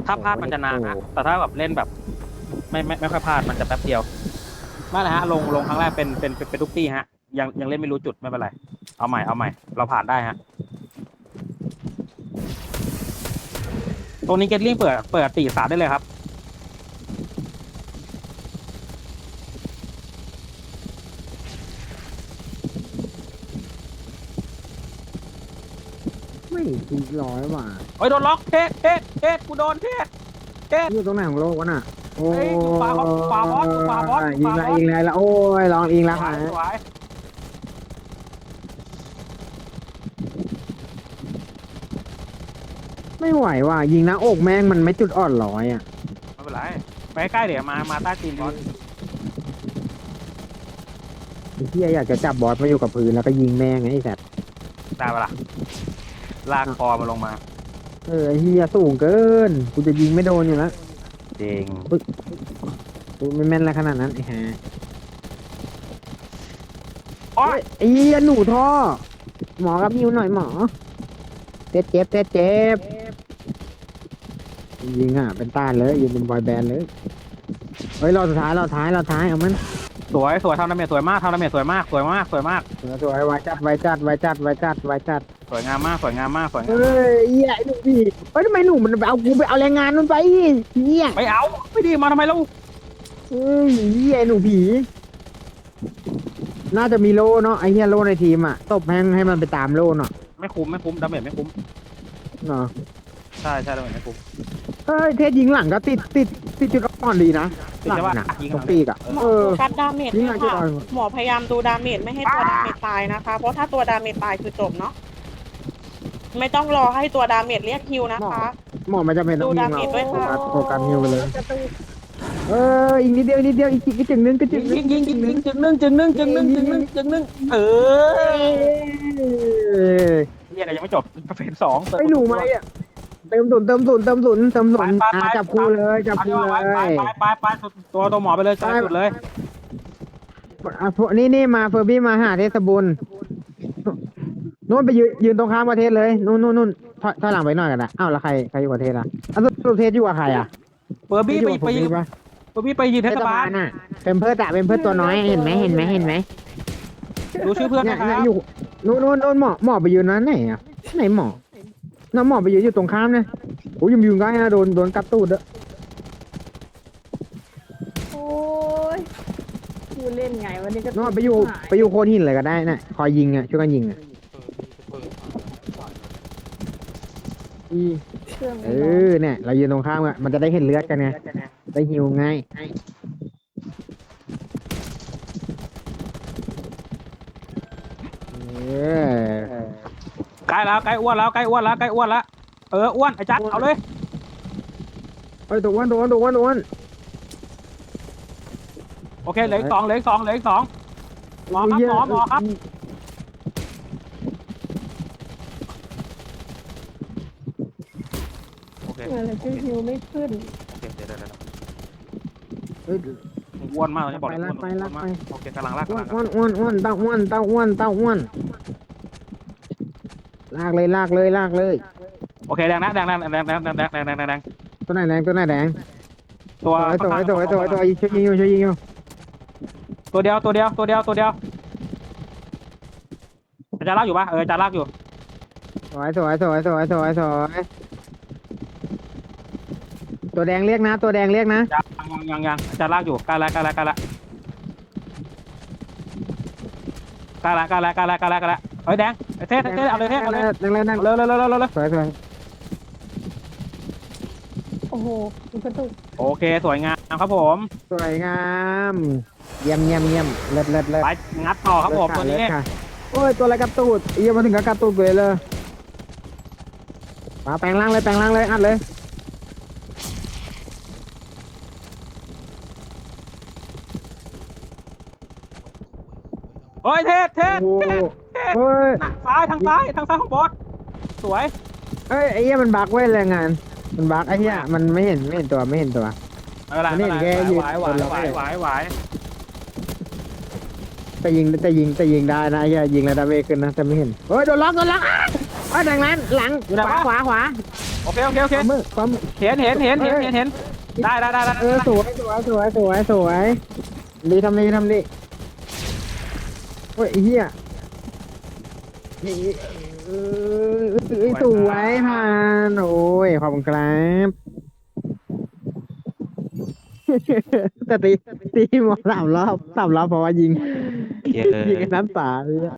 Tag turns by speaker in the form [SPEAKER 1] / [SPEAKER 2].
[SPEAKER 1] ถ้าพลาดมันจะนานฮะแต่ถ้าแบบเล่นแบบไม่ค่อยพลาดมันจะแป๊บเดียวนั่นแหละฮะลงครั้งแรกเป็นทุกตี้ฮะยังเล่นไม่รู้จุดไม่เป็นไรเอาใหม่เราผ่านได้ฮะตรงนี้เกตลิงเปิดตี3ได้เลยครับ
[SPEAKER 2] ไม่ถูกร้อยว่ะ
[SPEAKER 1] โอ้ยโดนล็อกเทศกูโดนเทศ
[SPEAKER 2] อยู่ตรงไหนของโลกวะน่ะโอ้
[SPEAKER 1] เฮ้ยอยู่ขวาบอสอยู่ขวาบอส
[SPEAKER 2] ยิงละยิงละโอ้ยลองยิงละ
[SPEAKER 1] สวยสวย
[SPEAKER 2] ไม่ไหวว่ะยิงหน้าอกแม่งมันไม่จุดอ่อนร้อยอ่ะ
[SPEAKER 1] ไม่เป็นไรไปใกล้ๆเดี๋ยวมาใต้ตีนบอส
[SPEAKER 2] ไอ้เหี้ยอยากจะจับบอสมาอยู่กับพื้นแล้วก็ยิงแม่งไอ้สัตว์
[SPEAKER 1] ได้ปะล่ะลากคอมาลงมา
[SPEAKER 2] ไอ้เหี้ยสูงเกินกูจะยิงไม่โดนอยู่แล้ว
[SPEAKER 1] จริง
[SPEAKER 2] กูไม่แม่นอะไรขนาดนั้นไอ้ห่า
[SPEAKER 1] โอ้ย
[SPEAKER 2] ไอ้เหี้ยหนูท่อหมอกับมิวหน่อยหมอเจ็บยิงอ่ะเป็นต้านเลยยิงเป็นบอยแบนด์เลยเฮ้ยรอบสุดท้ายเอามัน
[SPEAKER 1] สวยทำดาเมจสวยมากสวยมาก
[SPEAKER 2] สวยไวจัดส
[SPEAKER 1] สวยงามมาก
[SPEAKER 2] เฮ้ยเหี้ยไอ้หนูผีเฮ้ยทำไมหนูมันเอากูไปเอาแรงงานมันไปเหี้ย
[SPEAKER 1] ไม่เอาไม่ดีมาทำไมเรา
[SPEAKER 2] เฮ้ยเหี้ยไอ้หนูผีน่าจะมีโล่เนาะไอ้เหี้ยโล่ในทีมอ่ะตบให้มันไปตามโล่เนาะ
[SPEAKER 1] ไม่คุ้มดาเมจไม่คุ้ม
[SPEAKER 2] เนาะ
[SPEAKER 1] ใช่ดาเมจไม่คุ้ม
[SPEAKER 2] เฮ้ยเทศยิงหลังก็ติดจุดอ่อนดีนะ
[SPEAKER 1] ติด
[SPEAKER 2] หลั
[SPEAKER 1] ใช่ปะ
[SPEAKER 2] นะ
[SPEAKER 1] ยิง
[SPEAKER 2] ตรงปีกอ่ะ
[SPEAKER 3] หมอ
[SPEAKER 2] เออ
[SPEAKER 3] โฟกัสดาเมจ
[SPEAKER 2] ยิง
[SPEAKER 3] ด้วย
[SPEAKER 2] หลังจุด
[SPEAKER 3] ค่ะ
[SPEAKER 2] อ่อน
[SPEAKER 3] หมอพยายามดูดาเมจไม่ให้ตัวดาเมจตายนะคะ เพราะถ้าตัวดาเมจตายคือจบเนาะไม่ต้องรอให้ตัวดาเมจเรียกคิวนะคะ
[SPEAKER 2] หมอมันจะเป็นต้องยิง
[SPEAKER 3] ดูดาเมจด้วยค่ะ
[SPEAKER 2] โฟกัสฮิวไปเลยอีกนิดเดียวอีกจึงนึง
[SPEAKER 1] ยิงจึงนึ่งเออเรียกยังไม่จบเฟส2
[SPEAKER 2] ไม่หนูไหมอ่ะเติมศูนย์จับคู่เลย
[SPEAKER 1] ไปตัวหมอไปเลยจุดเลย
[SPEAKER 2] นี่มาเฟอร์บี้มาหาเทศบุญนู่นไปยืนตรงข้ามประเทศเลยนู่นถอยหลังไปหน่อยกันนะอ้าวแล้วใครอยู่ประเทศอ่ะสรุปเทศอยู่กับใครอ่ะ
[SPEAKER 1] เบอร์บี้ไปยืนเทศบาล
[SPEAKER 2] น่ะเป็นเพื่อนตัวน้อยเห็นไหม
[SPEAKER 1] ดูชื่อเพื่อน
[SPEAKER 2] เนี่ย
[SPEAKER 1] นะครับ
[SPEAKER 2] อยู่นู่นหมอไปยืนนั้นไหนอ่ะไหนหมอน้าหมอไปยืนอยู่ตรงข้ามนะโอ้ยยืนใกล้นะโดนกัดตูดเด้อ
[SPEAKER 4] โอ้ยกูเล่นไงวันนี้ก็
[SPEAKER 2] น้าไปอยู่โคนหินเลยก็ได้นะคอยยิงอ่ะช่วยกันยิงอ่ะ
[SPEAKER 4] เครื่อง
[SPEAKER 2] เนี่ยเรายืนตรงข้ามอ่ะมันจะได้เห็นเลือดกันไงได้หิวง่าย
[SPEAKER 1] ใกล้แล้วใกล้อ้วนแล้วอ้วนไอ้จัดเอาเลย
[SPEAKER 2] เฮ้ยตัวอ้วน
[SPEAKER 1] โอเคเหลืออีกสองหมอครับโอเค
[SPEAKER 4] อะไรชื่อฮิวไม่ขึ้น
[SPEAKER 1] เดี๋ยว
[SPEAKER 2] เฮ้ย
[SPEAKER 1] อ้วนมากเลยบอก
[SPEAKER 2] ไป
[SPEAKER 1] โอเคกำลังลาก
[SPEAKER 2] อ้วนเต้าอ้วนลากเลย
[SPEAKER 1] โอเคแดงตัวไหนแดง
[SPEAKER 2] ตัวไหนแดง
[SPEAKER 1] ตัว
[SPEAKER 2] ช่วยยิงอยู่
[SPEAKER 1] ตัวเดียวจะลากอยู่ปะจะลากอยู่
[SPEAKER 2] สวยตัวแดงเรียกนะ
[SPEAKER 1] ยังจะลากอยู่ใกล้ละเฮ้ยแดงเทสเอาเลยเอาเลย
[SPEAKER 2] แรง
[SPEAKER 1] เร็ว
[SPEAKER 2] สวย
[SPEAKER 4] โอ้โหมันกระตุก
[SPEAKER 1] โอเคสวยงามครับผม
[SPEAKER 2] สวยงามเยี่ยมเลิศ
[SPEAKER 1] ไปงัดต่อครับผมตัวนี้
[SPEAKER 2] โอ้ยตัวอะไรกระตูดเยี่ยมมาถึงกับกระตูดเลยมาแปลงร่างเลยอัดเลย
[SPEAKER 1] เฮ้ยเทส
[SPEAKER 2] โอ้ย
[SPEAKER 1] ทางซ้ายของบอสสวย
[SPEAKER 2] เอ้ยไอ้เหี้ยมันบักไว้แรงงานมันบักไอ้เหี้ยมันไม่เห็นตัว
[SPEAKER 1] ไม่เป็นไรไหว
[SPEAKER 2] แต่ยิงได้นะไอ้เหี้ยยิงแล้วดาเมจขึ้นนะแต่ไม่เห็นโอ้ยโดนล็อกแดงนั้นหลังขวา
[SPEAKER 1] โอเคโอเคโอเค
[SPEAKER 2] ปั๊ม
[SPEAKER 1] เห็นได้
[SPEAKER 2] สวยดีทำดีโอ้ยไอ้เหี้ยสวยผ่านโอ้ยขอบคุณครับแต่ตีหมอ3 รอบเพราะว่ายิง
[SPEAKER 1] เย้
[SPEAKER 2] ยิงกันน้ำตาเลย